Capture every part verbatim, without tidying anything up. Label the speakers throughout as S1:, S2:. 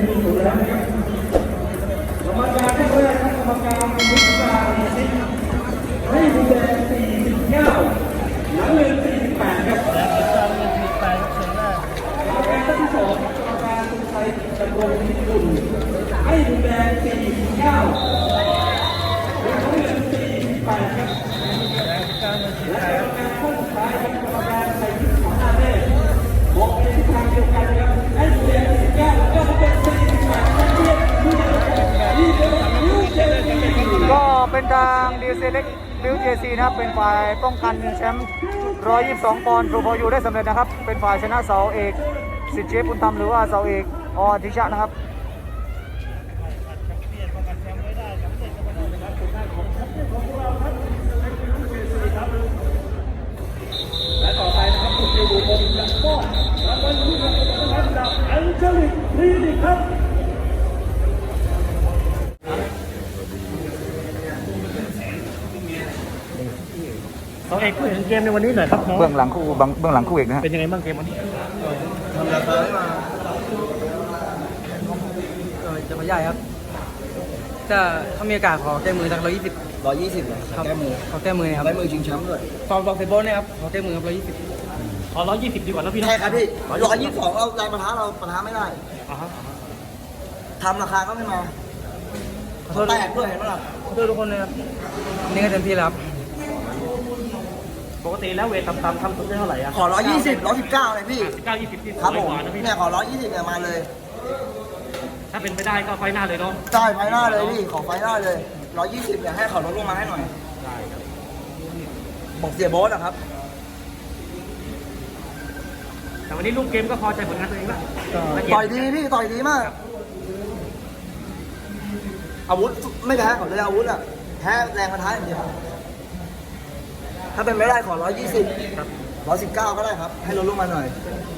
S1: ที่สุดแล้วนะครับกรรมการท่านแรกกรรมการมุสลิมให้ดูแลสี่สิบเก้าหลังเงินสี่สิบแปดครับกรรมการท่านที่สองกรรมการสุชัยดำรงพิกุลให้ดูแลสี่สิบเก้าหลังเงินสี่สิบแปดครับและกรรมการข้อสุดท้ายครับกรรมการใส่ชุดขาวหน้าแม่บอกในทิศทางเดียวกันครับให้ดูแลสี่สิบเก้าแล้วก็เป็นสี่สิบแปดนั่นเอง
S2: ก็เป็นทางดีเซเล็กบิวเจซีนะครับเป็นฝ่ายป้องกันแชมป์หนึ่งร้อยยี่สิบสองปอนด์ทรูพอยูได้สำเร็จนะครับเป็นฝ่ายชนะเสาเอกสิทธิ์เชฟบุญธรรมหรือว่าเสาเอกอธิชะนะครับ
S1: และต่อไปนะครับคุณจะดูบนหลังป้อนรางวัลที่หนึ่งนะครับจากอัลเจลิกคลินิกครับ
S3: เสาเอกผู้เห็นเกมในวันนี้หน่อยครับน้อง
S2: เบื้องหลังคู่เบื้องหลังคู่เอกนะฮะ
S3: เป็นยังไงบ้างเกมวันนี้
S4: ทำราคาให้มา
S5: จะมาใหญ่ครับจะถ้ามีโอกาสขอแก้มือสักร้อยยี่สิบ
S4: ร้อยยี่สิบเลยแก้มือ
S5: ขอแก้มือนะครับ
S4: ได้มือชิงแชมป์ด้วย
S5: ฟอร์มบอกเซโบนนะครับขอแก้มือครับร้อยยี่สิบ
S3: ขอร้อยยี่สิบดีกว่านะพี่นะ
S4: ใช่ครับพี่ร้อยยี่สิบสองเราแรงประทะเราประทะไม่ได้
S3: อ่าฮะ
S4: ทำราคาก็ไม่มา
S5: ขอโทษ
S4: แตกด้วยเห็นไหมล่ะ
S5: ขอโทษทุกคนนะครับนี่ก็เต็มที่แล้วครับ
S3: ปกติแล้วเวทต่ำๆทำสุดได้เท่าไหร่อ่ะ
S4: ขอร้อยยี่สิบร้อยสิบเก้าเลยพี่
S3: เก้ายี่สิบที่
S4: ครับ
S3: สวย
S4: ผม
S3: กว่านะพี่
S4: เนี่ยขอร้อยยี่สิบเนี่ยมาเลย
S3: ถ้าเป็นไปได้ก็ไฟหน้าเลยเนาะ
S4: จ่ายไฟหน้าเลยพี่ขอไฟหน้าเลยร้อยยี่สิบเนี่ยให้เขาลดลงมาให้หน่อยบอกเสียโบ๊ทนะครับ
S3: แต่วันนี้ลูกเกมก็พอใจผลงานตัวเองละ
S4: ต่อยดีพี่ต่อยดีมาก อาวุธไม่แพ้เขาเลยอาวุธอ่ะแพ้แรงประทะอย่างเดียวถ้าเป็นไม่ได้ขอร้อยยี่สิบร้อยสิบเก้าก็ได้ครับ ให้ลดลงมาหน่อย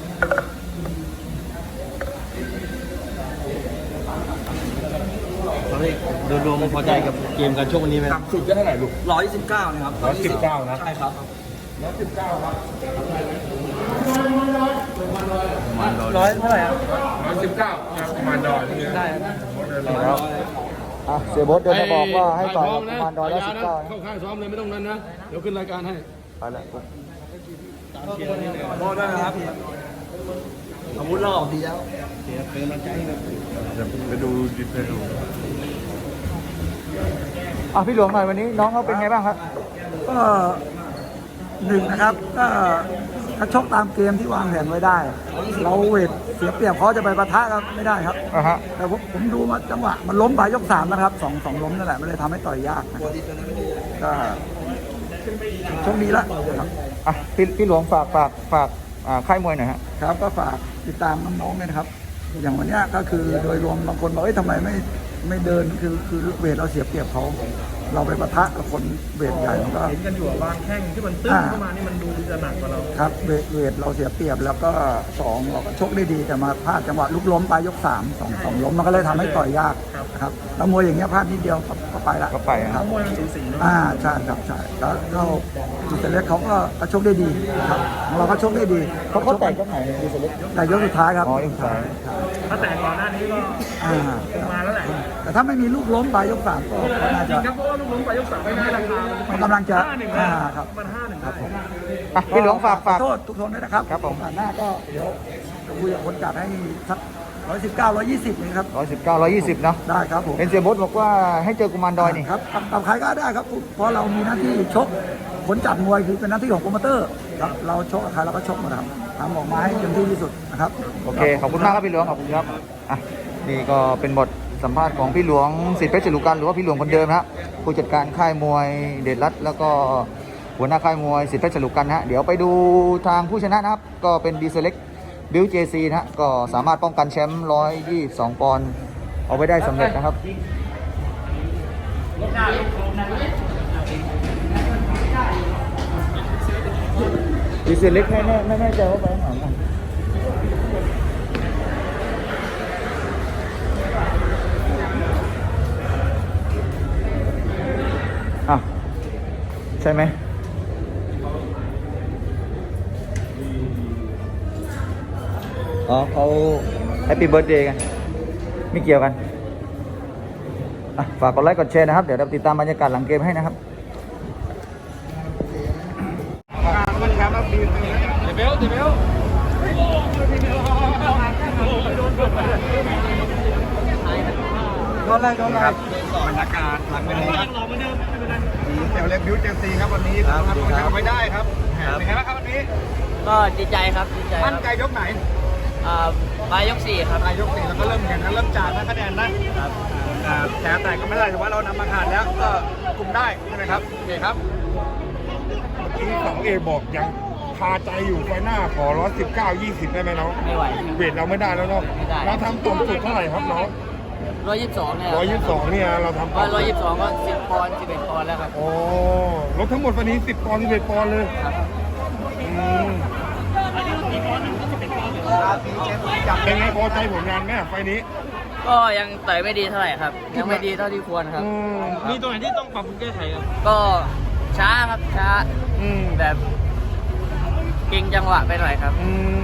S3: โดยรวมพอใจกับเกมการชกวันนี้ไหม
S4: ต่ำสุดก็เท่าไหร่ลูกร้อยสิบเก้านะครับ
S3: ร้อยสิบเก้านะ
S4: ใช่ครับร้อยสิบเก้าครับ
S5: ร้อยเท่าไหร่ครับ
S6: ร้อยสิบเก้าประมาณดอยนี่
S5: ได้ครับ
S2: แล้วอ่ะเสียโบทเดินมาบอกว่าให้ต่อยกับประมาณดอยละสิบเก้านะ
S6: เข้าข้างซ้อมเลยไม่ต้องนั้นนะ เดี๋ยวขึ้นรายการให้
S2: ไปแล้ว
S4: โบ๊ทด้วยนะครับอาวุธเราออกดีแล้ว
S6: ไปดูดิเทล
S2: อ่ะพี่หลวงหน่อยวันนี้น้องเขาเป็นไงบ้างครับ
S7: ก็หนึ่งนะครับก็ถ้าชกตามเกมที่วางแผนไว้ได้ เราเวทเสียเปรียบเขาจะไปปะทะกันไม่ได้ครับ
S2: อ่ะฮะ
S7: แต่ผมผมดูมาจังหวะมันล้มไปยกสามนะครับสองสองล้มนั่นแหละมันเลยทำให้ต่อยยากนะก็โชคดีละครับ
S2: อ่ะพี่พี่หลวงฝากฝากฝากอ่าค่ายมวยหน่อยฮะ
S7: ครับก็ฝากติดตามน้องๆด้วยนะครับ อย่างวันเนี้ยก็คือโดยรวมบางคนบอกเอ้ยทำไมไม่ไม่เดินคือคือเวทเราเสียเปรียบเขาเราไปปะทะกับคนเวทใหญ่มันก็
S3: เห็นกันอยู่บางแข้งที่มันตึ้งเข้ามานี่มันดูจะหนักกว่าเรา
S7: ครับเวทเวทเราเสียเปรียบแล้วก็สองเราก็ชกได้ดีแต่มาพลาดจังหวะลุกล้มไปยกสามสองสองล้มมันก็เลยทำให้ต่อยยากนะครับแล้วมวยอย่างเงี้ยพลาดนิดเดียวก็ไปละ
S2: ก็ไปนะครับ
S3: มวยมันสูสีเนาะ
S7: อ่าใช่ครับใช่แล้วเราจุดเล็กเขาก็ก็ชกได้ดีครับของเราก็ชกได้ดี
S2: เขาเขาแตกก็ไหนดีเซเล็ก
S7: แต่ยกสุดท้ายครับ
S2: อ๋อยกสุดท้าย
S3: ถ้าแต่ก่อนหน้านี้ก็
S7: อ่า
S3: คงมาแล้วแหละ
S7: แต่ถ้าไม่มีลูกล้มไปยกสามก็ก็น่า
S3: จริ
S7: จะ
S3: งครับเพราะว่าลูกล้มไปยกสามไม่ได้ราคา
S7: มันกำลังจะ
S3: ห้าหนึ่ง
S7: อ่า
S3: นะครับ มันห้าหนึ่งครับผม
S2: อ่ะพี่หลวงฝากฝาก
S7: ขอโทษทุกคนด้วยนะครับ
S2: ครับผม
S7: โอกาสหน้าก็เดี๋ยวจะคุยกับคนจัดให้สักร้อยสิบเก้าร้อยยี่สิบนะครับ
S2: ร้อยสิบเก้าร้อยยี่สิบเนาะ
S7: ได้ครับผม
S2: เป็นเสียโบทบอกว่าให้เจอกุมารดอยนี่
S7: ครับกับกับใครก็ได้ครับ เพราะเรามีหน้าที่ชกผลจัดมวยคือเป็นหน้าที่ของโปรโมเตอร์ครับเราชกกับใครเราก็ชกหมดครับทำออกมาให้เต็มที่ที่สุดนะครับ
S2: โอเคขอบคุณมากครับพี่หลวงขอบคุณครับอ่ะนี่ก็เป็นบทสัมภาษณ์ของพี่หลวงสิทธิเพชรจรุกันหรือว่าพี่หลวงคนเดิมนะฮะผู้จัดการค่ายมวยเดชรัตน์แล้วก็หัวหน้าค่ายมวยสิทธิเพชรจรุกันนะฮะเดี๋ยวไปดูทางผู้ชนะนะครับก็เป็นดีเซเล็กบิลเจซีนะฮะก็สามารถป้องกันแชมป์หนึ่งร้อยยี่สิบสองปอนด์เอาไว้ได้สำเร็จนะครับดีเซเล็กไม่แน่ไม่แน่ใจว่าไปไหนกันอ่ะใช่ไหมอ๋อเขาแฮปปี้เบิร์ดเดย์กันไม่เกี่ยวกันอ่ะฝากกดไลค์กดแชร์นะครับเดี๋ยวเราติดตามบรรยากาศหลังเกมให้นะครับ
S7: โดนอะไรโดนอะไร
S6: บรรยากาศหลังเวทีครับเดี๋ยวเล็กบิวเจลซีครับวันนี้ทำผลงานไม่ได้ครับเป็นไงบ้างครับวันนี้
S5: ก็ดีใจครับดีใจค
S6: มั่น
S5: รับ
S6: ใจยกไหน
S5: อ่าปลายยกสี่ครับ
S6: ปลายยกสี่แล้วก็เริ่มแข่งกันเริ่มจานนะคะแนนนะครับอ่าแพ้แต่ก็ไม่ได้แต่ว่าเรานำมาขาดแล้วก็คุมได้ใช่ไหมครับโอเคครับเมื่อกี้สองเอบอกยังคาใจอยู่ไฟหน้าขอร้อยสิบเก้ายี่สิบได้ไหมน้อง
S5: ไม่ไหว
S6: เวทเราไม่ได้แล้วเนาะ
S5: ไม่ได้
S6: เราทำต่ำสุดเท่าไหร่ครับน้อง
S5: ร้อยยี่สิบสองเนี่ย
S6: ร้อยยี่สิบสองเนี่ยเราทำ
S5: ร้อย
S6: ต่ำ
S5: ร้อยยี่สิบสองก็สิบปอนด์สิบเอ็ดปอนด์แล้วครับ
S6: โอ้ลดทั้งหมดวันนี้สิบปอนด์สิบเอ็ดปอนด์เลย
S5: ครับ
S6: อืมเป็นไงพอใจผลงานไหมไฟล์นี้
S5: ก็ยังต่อยไม่ดีเท่าไหร่ครับ ยังไม่ดีเท่าที่ควรครับ
S6: อืม
S5: มีตรงไหนที่ต้องปรับปรุงแก้ไขครับก็ช้าครับช้า
S6: อืม
S5: แบบเก่งจังหวะไปหน่อยครับ
S6: อืม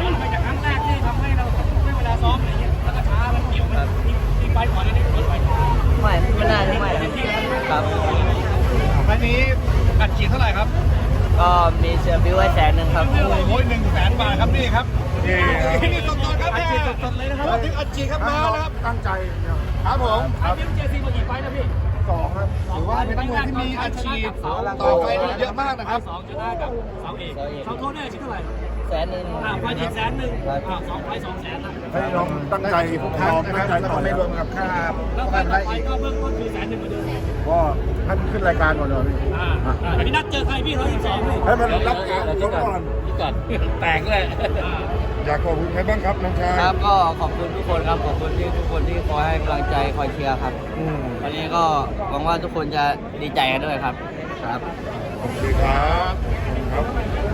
S5: ไม่ไม่น่าจะไม่ครับ
S6: ไฟล์นี้อัดฉีดเท่าไหร่ครับ
S5: ก็มีเสือบิวไว้แสนหนึ่งครับ
S6: โอ้ยหนึ่งแสนบาทครับนี่ครับนี่สดๆครับอัดฉีดสดๆเลยนะครับถึงอัดฉีดครับมาแล้วครับตั้งใจครับผมครับเจซีมากี่ไฟล์นะพี่สองครับถือว่าเป็นนักมวยที่มีอัดฉีดต่อไปเยอะมากนะครับ
S5: สองจุดห้ากับเสาเอกเสาโทษได้ชิ้นเท่าไหร่แสนหนึ่งอ่าไฟล์แสนหนึ่งอ่าสองไฟล์สองแสนนะ
S6: ให้น้องตั้งใจทุกครั้งนะครับแล้วก็ไม่รวมกับค่า
S5: แล้วไฟล์ต่อไปก็เบื้องต้นคือแสนหนึ่งเหมือนเดิม
S6: ก็ท่านขึ้นรายการก่อนเลย
S5: อ่าอ่าพี่นัดเจอใครพี่ร้อยยี่สิบสองเลย
S6: ให้มันรับการลดก่อน
S5: พี่กัดแตกเลย
S6: อยากขอบคุณใครบ้างครับน้องชาย
S5: ครับก็ขอบคุณทุกคนครับขอบคุณที่ทุกคนที่คอยให้กำลังใจคอยเชียร์ครับ
S6: อืม
S5: วันนี้ก็หวังว่าทุกคนจะดีใจกันด้วยครับครับ
S6: โอเคครับครับ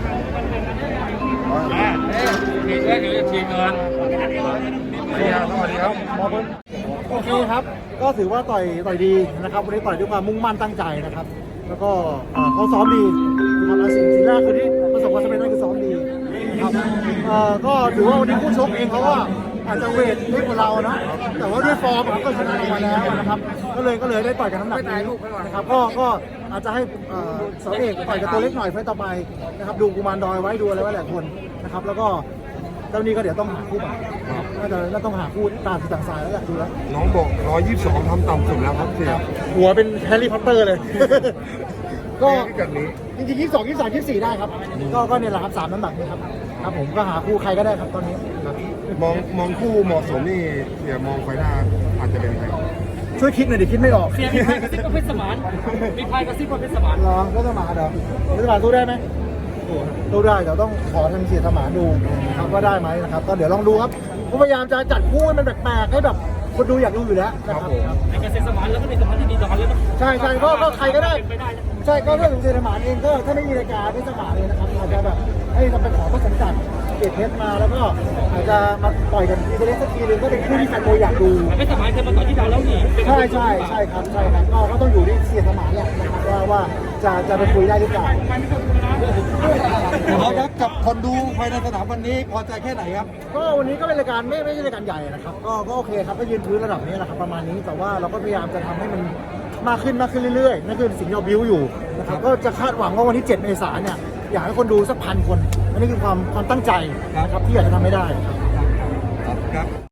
S6: อ่าทีแรกเดี๋ยวจะทีเงินสวัสดีครับ
S3: โอเคครับ ก็ถือว่าต่อยต่อยดีนะครับวันนี้ต่อยด้วยความมุ่งมั่นตั้งใจนะครับ แล้วก็เอ่อเขาซ้อมดีนะครับและสิ่งสิ่งแรกคือที่ประสบความสำเร็จนั่นคือซ้อมดีนะครับเอ่อก็ถือว่าวันนี้คู่ชกเองเขาก็อาจจะเวทเล็กกว่าเรานะแต่ว่าด้วยฟอร์มเขาก็ชนะมาแล้วนะครับ ก็เลยก็เลยได้ต่อยกันน้ำหนักนี้นะครับก็ก็อาจจะให้เอ่อเสาเอกต่อยกับตัวเล็กหน่อยไฟต์ต่อไปนะครับดูกุมารดอยไว้ดูอะไรไว้หลายคนนะครับแล้วก็เจ้านี้ก็เดี๋ยวต้องหาคู่ใหม่นะครับน่าจะน่าต้องหาคู่ตามที่ต่างสายแล้วแหละดูแล้ว
S6: น้องบอกร้อยยี่สิบสองทำต่ำสุดแล้วครับเสีย
S3: หัวเป็นแฮร์รี่พอตเตอร์เลย ก็
S6: พิกัดนี้
S3: จริงๆยี่สิบสองยี่สิบสามยี่สิบสี่ได้ครับ ก็ก็เนี่ยแหละครับสามน้ำหนักนี่ครับครับผมก็หาคู่ใครก็ได้ครับตอนนี้ครับ
S6: มองมองคู่เหมาะสมนี่เสียมองไฟหน้าอาจจะเป็นใคร
S3: ช่วยคิดหน่อยดิคิดไม่ออก
S5: เสียมีพายกระซิบว่าเพชรสมานมีพายกระซิบว่าเพชรสมาน
S3: รอก็สมานเหรอรัฐบาลสู้ได้ไหมสู้ได้เดี๋ยวต้องขอทางเสียสมานดูนะครับว่าได้ไหมนะครับก็เดี๋ยวลองดูครับผมพยายามจะจัดคู่ให้มันแปลกๆให้แบบคนดูอยากดูอยู่แล้วนะครับ
S5: ไอ้กระซิบสมานแล้วก็เป็นสมานที่ดีต่อกันเลยต้อง
S3: ใช่ใช่ก็ก็ใครก็ได้
S5: เป็นไปได้นะ
S3: ใช่ก็เรื่องของเซนสมานเองก็ถ้าไม่มีรายการไม่สมานเลยนะครับอาจจะแบบให้เราไปขอพระสมจัดเกตเพชรมาแล้วก็อาจจะมาต่อยกันทีเล็กสักทีนึงก็เป็นคู่ที่แฟนมวยอยากดู
S5: เพชรสมานเคยมาต่อยที่ดาวแล้วนี่
S3: ใช่ใช่ใช่ครับใช่ครับก็ก็ต้องอยู่ที่เสียสมานแหละนะครับว่าว่าจะจะไปคุยได้หรือเปล่า
S7: เอาครับกับคนดูภายในสนามวันนี้พอใจแค่ไหนครับ
S3: ก็วันนี้ก็เป็นรายการไม่ไม่ใช่รายการใหญ่นะครับก็ก็โอเคครับก็ยืนพื้นระดับนี้แหละครับประมาณนี้แต่ว่าเราก็พยายามจะทำให้มันมากขึ้นมากขึ้นเรื่อยๆนั่นคือสิ่งที่เราบิวอยู่นะครับก็จะคาดหวังว่าวันที่เจ็ดเมษายนเนี่ยอยากให้คนดูสักพันคนอันนี้คือความความตั้งใจนะครับที่อยากจะทำให้ได้ครับ